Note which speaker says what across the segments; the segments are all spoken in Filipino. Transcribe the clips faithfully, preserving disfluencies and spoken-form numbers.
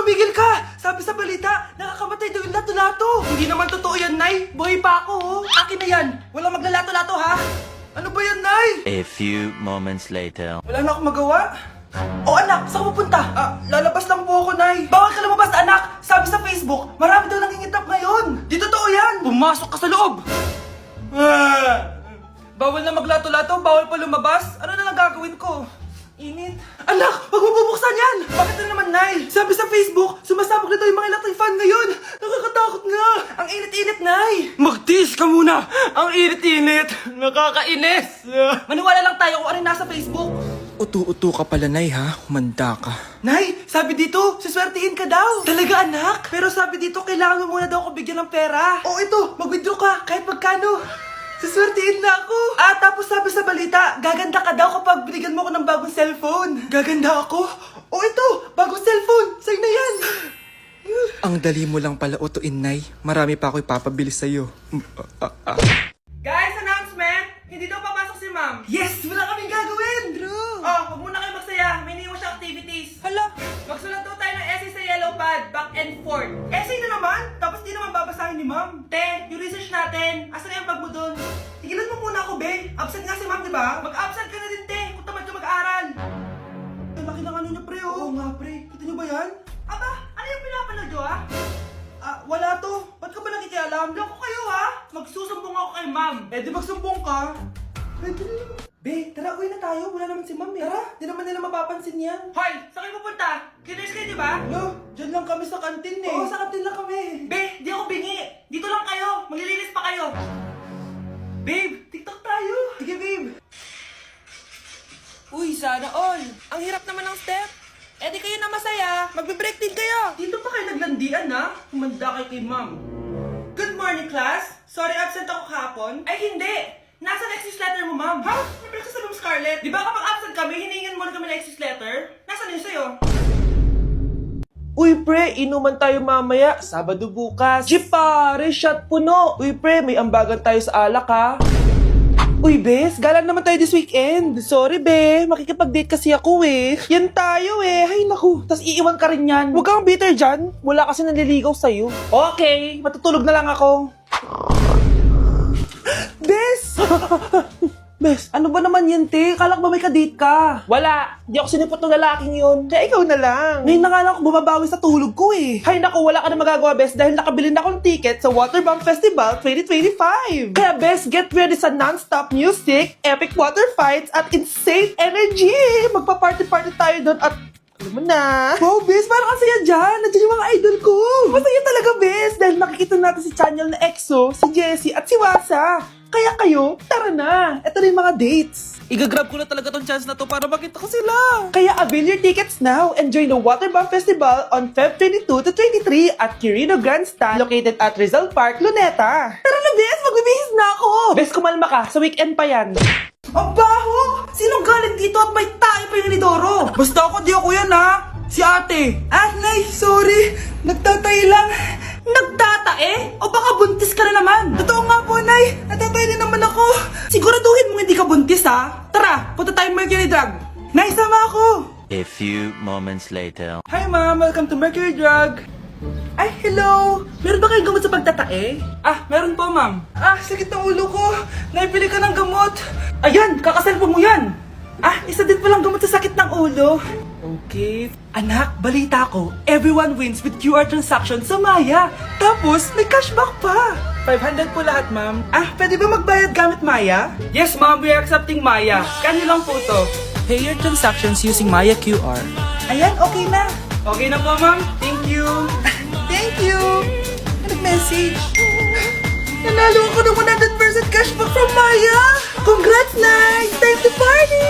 Speaker 1: tumigil ka! Sabi sa balita, nakakamatay daw yung lato-lato. Hindi naman totoo yan, Nay. Buhay pa ako, oh. Akin na yan. Walang maglalato-lato, ha? Ano ba yan, Nay?
Speaker 2: A few moments later.
Speaker 1: Wala na akong magawa. Oh, anak, saan ka pupunta? Ah, lalabas lang po ako, Nay. Bawal ka lumabas, anak. Sabi sa Facebook, marami daw nangingitap ngayon. Di totoo yan. Pumasok ka sa loob. Ah, bawal na maglato-lato, bawal pa lumabas. Ano na lang gagawin ko? Init. Anak, wag mo bubuksan yan! Bakit na naman, Nay? Sabi sa Facebook, sumasabog na daw yung mga electric fan ngayon. Nakakatakot nga. Ang init-init, Nay. Magtiis ka muna. Ang init-init. Nakakainis. Maniwala lang tayo kung ano yung nasa Facebook.
Speaker 3: Utu-utu ka pala, Nay, ha? Humanda ka.
Speaker 1: Nay, sabi dito, siswertihin ka daw. Talaga, anak? Pero sabi dito, kailangan mo muna daw ako bigyan ng pera. O ito, mag-withdraw ka, kahit magkano. Siswertihin na ako. Ah, tapos sabi sa balita, gaganda ka daw kapag binigyan mo ako ng bagong cellphone. Gaganda ako? O ito, bagong cellphone. Sa'yo na yan.
Speaker 3: Ang dali mo lang pala utuin, Nay. Marami pa ako ipapabili sa'yo. Mm, ah, ah, ah.
Speaker 1: Guys, announcement! Hindi daw papasok si ma'am. Yes! Wala kaming gagawin! True! Oh, huwag muna kayo magsaya. May iniwan siya activities. Hala! Magsulat daw tayo ng essay sa yellow pad, back and forth. Essay na naman? Tapos di naman babasahin ni ma'am. Te, yung research natin. Asan na yung bag mo dun? Tigilan mo muna ako, be. Absent nga si ma'am, di ba? Mag-absent ka na din, te. Kung tamad ka mag-aaral. Ang laki ng ano niya, pre, oh. Oo nga, pre. Kita niyo ba yan? Aba, ano yung pinapanood nyo, ah? Ah, wala to. Ba't ka ba nakikialam? Loko kayo, ha? Magsusumbong ako kay ma'am. Eh, di magsumbong ka. Pwede na naman. Be, tara, uwi na tayo. Wala naman si ma'am, eh. Tara, di naman nila mapapansin yan. Hoy, saan kayo pupunta? Kinis kayo, di ba? No, dyan lang kami sa kantin, eh. Oo, sa kantin lang kami. Be, di ako bingi. Dito lang kayo. Maglilinis pa kayo. Babe, TikTok tayo. Sige, babe. Uy, sana all. Ang hirap naman ng step. Eh di kayo na masaya. Magbe-break din kayo. Dito pa kayo naglandian, ha? Humanda kayo kay ma'am. Good morning, class. Sorry, absent ako kahapon. Ay, hindi. Nasa excuse letter mo, ma'am. Ha? May breakfast na, Ma'am Scarlett. Di ba kapag absent kami, hiningan mo na kami ng excuse letter? Nasaan yun sa'yo? Uy, pre, inuman tayo mamaya. Sabado bukas. Jeep, pare, shot puno. Uy, pre, may ambagan tayo sa alak, ha? Uy, bes, galang naman tayo this weekend. Sorry, be. Makikipag-date kasi ako, eh. Yan tayo, eh. Hay, naku. Tas iiwan ka rin yan. Huwag kang bitter dyan. Wala kasi nanliligaw sa'yo. Okay, matutulog na lang ako. Bes! Bes, ano ba naman yan, te? Kalak ba may kadate ka? Wala. Di ako sinipot ng lalaking yun. Kaya ikaw na lang. Ngayon na nga lang ako bumabawi sa tulog ko, eh. Hay naku, wala ka na magagawa, Bes, dahil nakabili na akong ticket sa Waterbomb Festival twenty twenty-five. Kaya, Bes, get ready sa non-stop music, epic water fights, at insane energy. Magpa-party-party tayo doon at alam mo na. Wow, Bes, parang ang saya dyan. Nandiyan yung mga idol ko. Masaya talaga, Bes, dahil makikita natin si Channel na EXO, si Jessie, at si Wasa. Kaya kayo, tara na. Ito na yung mga dates. Igagrab ko na talaga tong chance na to para makita ko sila. Kaya avail your tickets now and join the Waterbomb Festival on February twenty-two to twenty-three at Quirino Grandstand located at Rizal Park, Luneta. Tara na, Bes, magbibihis na ako. Bes, kumalma ka. Sa weekend pa yan. Ang baho! Sinong galing dito at may tae pa yung Lidoro? Basta ako, di ako yan, ha? Si ate. Ah, Nay, sorry. Nagtatay lang. Nagtatae? O baka buntis ka na naman? Totoo nga po, Nay. Natatay din naman ako. Siguraduhin mo hindi ka buntis, ha? Tara, punta tayo Mercury Drug. Nay, sama ako.
Speaker 2: A few moments later.
Speaker 1: Hi, ma'am. Welcome to Mercury Drug. Ay, hello! Meron ba kayong gamot sa pagtatae? Ah, meron po, ma'am. Ah, sakit ng ulo ko. Naipili ka ng gamot. Ayan, kakaselfon mo yan. Ah, isa din palang gamot sa sakit ng ulo. Okay. Anak, balita ko, everyone wins with Q R transaction sa Maya. Tapos, may cashback pa. five hundred po lahat, ma'am. Ah, pwede ba magbayad gamit Maya? Yes, ma'am. We are accepting Maya. Kanilang po to. Pay your transactions using Maya Q R. Ayan, okay na. Okay na po, ma'am. Thank you. Thank you. Nag-message. Nanalo ako ng one hundred percent cashback from Maya. Congrats, Nay. Time to party.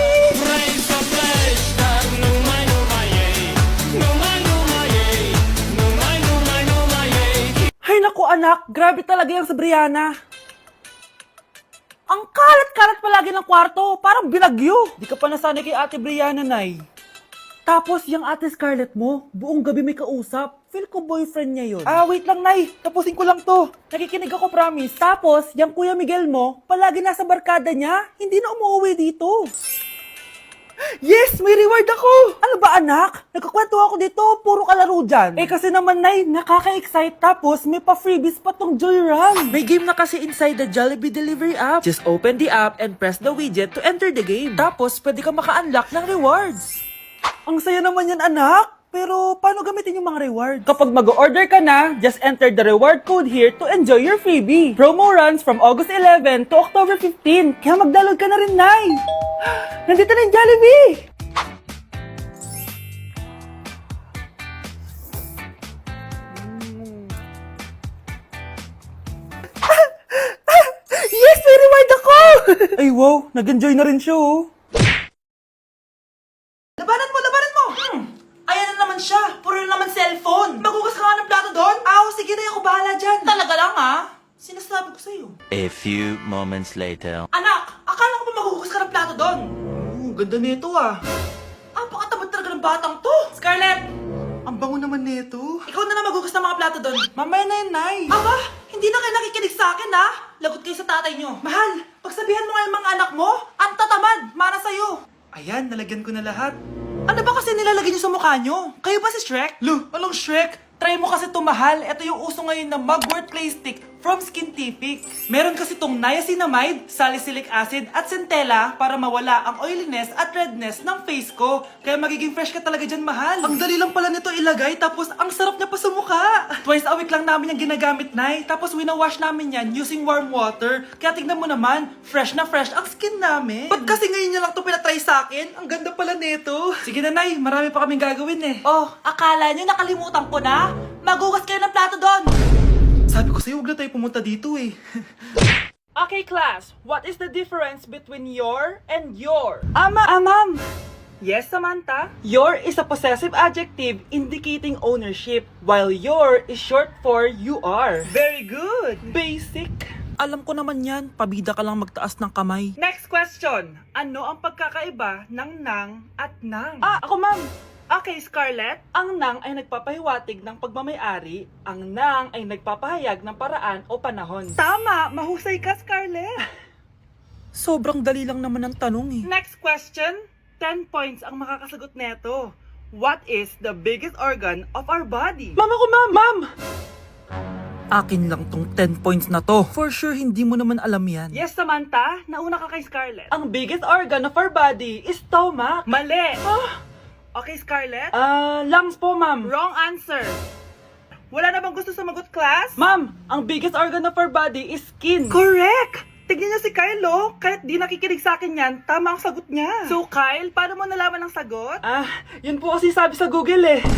Speaker 1: Hay naku, anak. Grabe talaga yung sa Brianna. Ang kalat-kalat palagi ng kwarto. Parang binagyo. Di ka pa nasanay kay Ate Brianna, Nay. Tapos, yung Ate Scarlett mo, buong gabi may kausap. Feel ko boyfriend niya yun. Ah, wait lang, Nay. Tapusin ko lang to. Nakikinig ako, promise. Tapos, yung Kuya Miguel mo, palagi nasa barkada niya. Hindi na umuwi dito. Yes! May reward ako! Ano ba anak? Nagkakwento ako dito, puro kalaro dyan. Eh kasi naman Nay, nakaka-excite tapos may pa-freebies pa tong Joy Run. May game na kasi inside the Jollibee Delivery app. Just open the app and press the widget to enter the game. Tapos pwede ka maka-unlock ng rewards. Ang saya naman yan anak! Pero paano gamitin yung mga reward? Kapag mag-order ka na, just enter the reward code here to enjoy your freebie. Promo runs from August eleventh to October fifteenth. Kaya mag-download ka na rin, Nay! Nandito na yung Jollibee! Yes! May reward ako! Ay wow, nag-enjoy na rin siya oh. Labanan mo, labanan mo! Hmm. Ayan na naman siya. Puro na naman cellphone. Magugas ka nga ng plato doon? Aw, sige na ako bahala dyan. Talaga lang ah. Sinasabi ko sa'yo.
Speaker 2: A few moments later.
Speaker 1: Anak, akala ko ba magugas ka ng plato doon? Oo, ganda nito ah. Ang pakatamad talaga ng batang to. Scarlett! Ang bango naman nito. Ikaw na lang magugas ng mga plato doon. Mamaya na yun, Nay. Aba, hindi na kayo nakikinig sa akin ha. Lagot kayo sa tatay nyo. Mahal, pagsabihan mo nga yung mga anak mo, ang tatamad, para sa'yo. Ayan, nalagyan ko na lahat. Ano ba kasi nilalagay niyo sa mukha niyo? Kayo ba si Shrek? Lu, anong Shrek? Try mo kasi tumahal. Ito yung uso ngayon na Mugwort Clay Stick from Skintific. Meron kasi tong niacinamide, salicylic acid at centella para mawala ang oiliness at redness ng face ko. Kaya magiging fresh ka talaga dyan, mahal. Ang dali lang pala nito ilagay tapos ang sarap niya pa sa mukha. Twice a week lang namin yung ginagamit, Nay. Tapos winawash namin yan using warm water. Kaya tignan mo naman, fresh na fresh ang skin namin. Ba't kasi ngayon niya lang to pinatry sa akin? Ang ganda pala nito. Sige na, Nay. Marami pa kaming gagawin eh. Oh, akala niyo nakalimutan ko na? Magugas kayo ng plato doon! Sabi ko sa'yo, huwag na tayo pumunta dito eh. Okay, class. What is the difference between your and your? Ama! Ah, ma'am! Yes, Samantha? Your is a possessive adjective indicating ownership, while your is short for you are. Very good! Basic! Alam ko naman yan, pabida ka lang magtaas ng kamay. Next question. Ano ang pagkakaiba ng nang at nang? Ah, ako ma'am! Okay, Scarlett. Ang nang ay nagpapahiwatig ng pagmamayari, ang nang ay nagpapahayag ng paraan o panahon. Tama! Mahusay ka, Scarlett! Sobrang dali lang naman ang tanong eh. Next question. ten points ang makakasagot neto. What is the biggest organ of our body? Mama ko, ma'am! Ma'am! Akin lang tong ten points na to. For sure, hindi mo naman alam yan. Yes, Samantha. Nauna ka kay Scarlett. Ang biggest organ of our body is stomach. Mali! Ah! Okay, Scarlett? Ah, uh, lungs po, ma'am. Wrong answer. Wala na bang gusto sumagot, class? Ma'am, ang biggest organ of our body is skin. Correct! Tignan niyo si Kyle, oh. Kahit di nakikinig sa akin yan, tama ang sagot niya. So, Kyle, paano mo nalaman ang sagot? Ah, yun po kasi sabi sa Google, eh.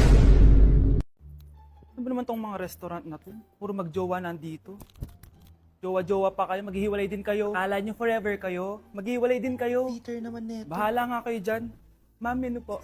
Speaker 1: Ano ba naman tong mga restaurant na to? Puro magjowa nandito. Jowa-jowa pa kayo, maghihiwalay din kayo. Kala nyo forever kayo, maghihiwalay din kayo. Peter naman neto. Bahala nga kayo dyan. Ma'am, menu po.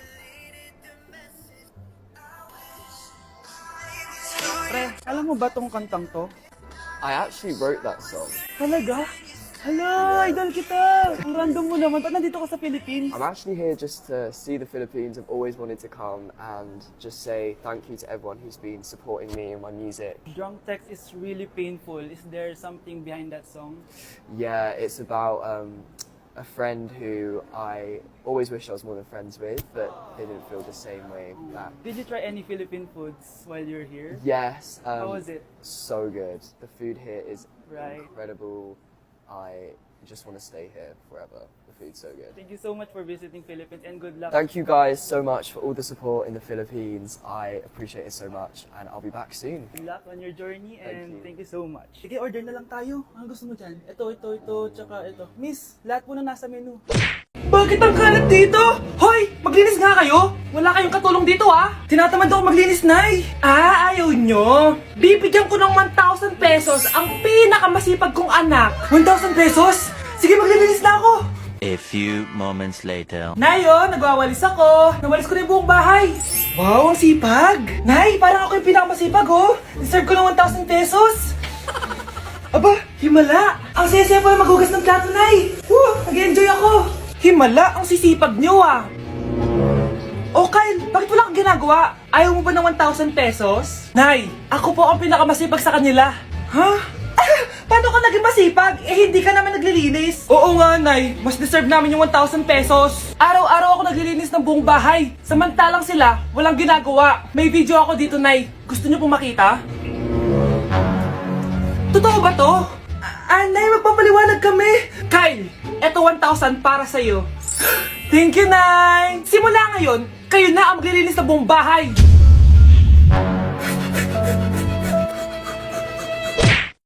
Speaker 1: Pre, alam mo ba tong kantang to?
Speaker 4: I actually wrote that song.
Speaker 1: Talaga? Hala, idol kita! Ang random mo naman. Ba't nandito ka sa Philippines?
Speaker 4: I'm actually here just to see the Philippines. I've always wanted to come and just say thank you to everyone who's been supporting me and my music.
Speaker 1: Drunk text is really painful. Is there something behind that song?
Speaker 4: Yeah, it's about um, a friend who I always wish I was more than friends with, but they didn't feel the same way back.
Speaker 1: Did you try any Philippine foods while you're here?
Speaker 4: Yes. Um,
Speaker 1: How was it?
Speaker 4: So good. The food here is
Speaker 1: Right.
Speaker 4: incredible. I just want to stay here forever. The food's so good.
Speaker 1: Thank you so much for visiting Philippines and good luck.
Speaker 4: Thank you guys so much for all the support in the Philippines. I appreciate it so much, and I'll be back soon.
Speaker 1: Good luck on your journey and
Speaker 4: you.
Speaker 1: thank you so much. Sige, order na lang tayo. Ano gusto mo dyan? Ito, ito, ito, tsaka ito. Miss, lahat po na nasa menu. Bakit ang kalat dito? Hoy! Maglinis nga kayo! Wala kayong katulong dito ah! Tinatamad ako maglinis, Nay! Ah, ayaw nyo! Bibigyan ko ng one thousand pesos ang pinakamasipag kong anak! one thousand pesos? Sige, maglilinis na ako!
Speaker 2: A few moments later.
Speaker 1: Nay, oh, nagwawalis ako. Nawalis ko na yung buong bahay. Wow, ang sipag. Nay, parang ako yung pinakamasipag, oh. Deserve ko ng one thousand pesos. Aba, himala. Ang saya-saya pala maghugas ng plato, Nay. Woo, nag-enjoy ako. Himala, ang sisipag nyo, ah. Oh, Kyle, bakit wala kang ginagawa? Ayaw mo ba ng one thousand pesos? Nay, ako po ang pinakamasipag sa kanila. Ha? Ah, Paano ka naging masipag? Eh, hindi ka naman naglilinis. Oo nga, Nay. Mas deserve namin yung one thousand pesos. Araw-araw ako naglilinis ng buong bahay. Samantalang sila, walang ginagawa. May video ako dito, Nay. Gusto niyo pong makita? Totoo ba to? Ah, Nay, magpapaliwanag kami. Kyle, eto one thousand para sa'yo. Thank you, Nay! Simula ngayon, kayo na ang maglilinis ng buong bahay.